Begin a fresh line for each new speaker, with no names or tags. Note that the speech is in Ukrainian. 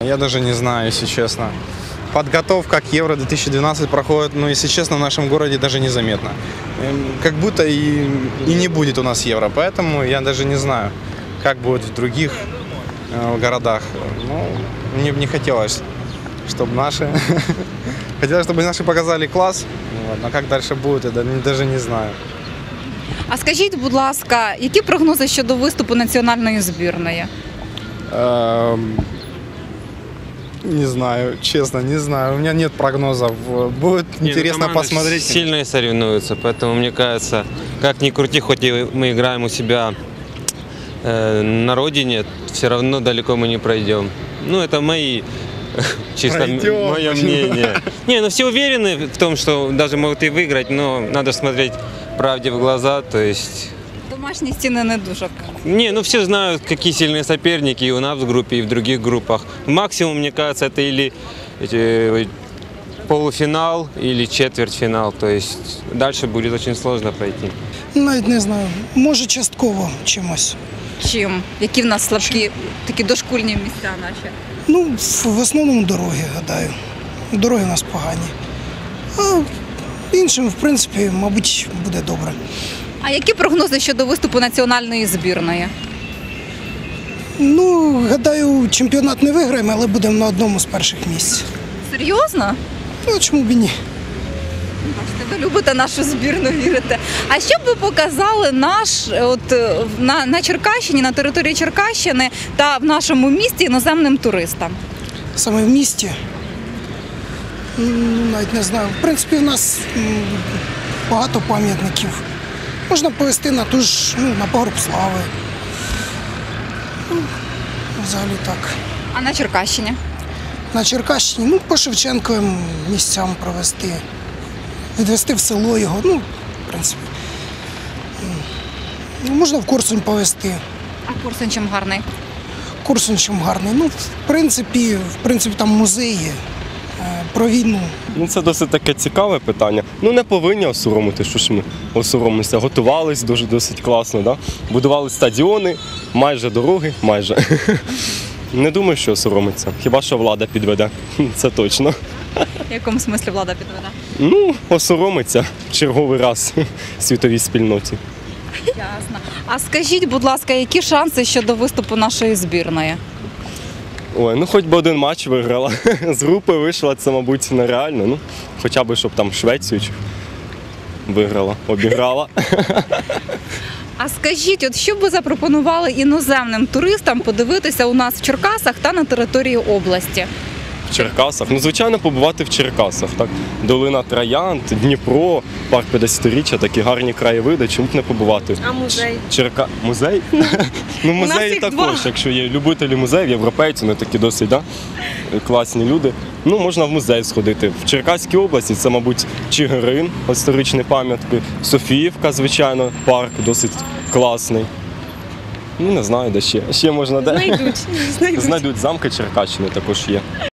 Я даже не знаю, если честно. Подготовка к Евро-2012 проходит, но, если честно, в нашем городе даже незаметно. Как будто и не будет у нас Евро, поэтому я даже не знаю, как будет в других городах. Ну, мне бы не хотелось, чтобы наши... Хотелось, чтобы наши показали класс, но как дальше будет, я даже не знаю.
А скажіть, будь ласка, які прогнози щодо виступу національної збірної?
Не знаю, честно, не знаю. У меня нет прогнозов. Будет интересно посмотреть.
Сильные соревнуются, поэтому мне кажется, как ни крути, хоть и мы играем у себя на родине, все равно далеко мы не пройдем. Ну, это мои, чисто мое мнение. Не, ну все уверены в том, что даже могут и выиграть, но надо смотреть правде в глаза, то есть...
Домашні стіни не дуже.
Не, ну все знают, какие сильные соперники и у нас в группе, и в других группах. Максимум, мне кажется, это или полуфинал, или четвертьфинал. То есть дальше будет очень сложно пройти.
Навіть не знаю. Може, частково чимось.
Чим? Які в нас слабкі, такі дошкульні місця наші?
Ну, в основному дороги, гадаю. Дороги у нас погані. А іншим, в принципі, мабуть, буде добре.
А які прогнози щодо виступу національної збірної?
Ну, гадаю, чемпіонат не виграємо, але будемо на одному з перших місць.
Серйозно?
Ну, чому б і ні?
Бачите, ви любите нашу збірну, вірите. А що б ви показали на Черкащині, на території Черкащини та в нашому місті іноземним туристам?
Саме в місті? Навіть не знаю. В принципі, в нас багато пам'ятників. Можна повезти на ту ж, на Пагорб Слави. Взагалі так.
А на Черкащині?
На Черкащині, по Шевченковим місцям провести. Відвести в село його, в принципі. Можна в Корсунь повезти.
А Корсунь чим гарний?
Корсунь чим гарний. В принципі, там музей є про війну.
Це досить таке цікаве питання. Не повинні осоромити, що ж ми осоромимося. Готувались досить класно, да? Будували стадіони, майже дороги, майже. Не думаю, що осоромиться. Хіба що влада підведе, це точно.
В якому смислі влада підведе?
Осоромиться в черговий раз світовій спільноті.
Ясно. А скажіть, будь ласка, які шанси щодо виступу нашої збірної?
Ой, хоч би один матч виграла. З групи вийшла, це, мабуть, нереально. Хоча б, щоб там Швецію виграла, обіграла.
А скажіть, що б ви запропонували іноземним туристам подивитися у нас в Черкасах та на території області?
В Черкасах? Звичайно, побувати в Черкасах. Так? Долина Троянд, Дніпро, парк 50-річчя, такі гарні краєвиди, чому б не побувати?
А музей?
Музей? Музеї також, якщо є любителі музеїв, європейці, вони такі досить класні люди. Можна в музей сходити. В Черкаській області це, мабуть, Чигирин, історичні пам'ятки, Софіївка, звичайно, парк досить класний. Не знаю, де ще. Ще можна де.
Знайдуть.
Знайдуть, замки Черкащини також є.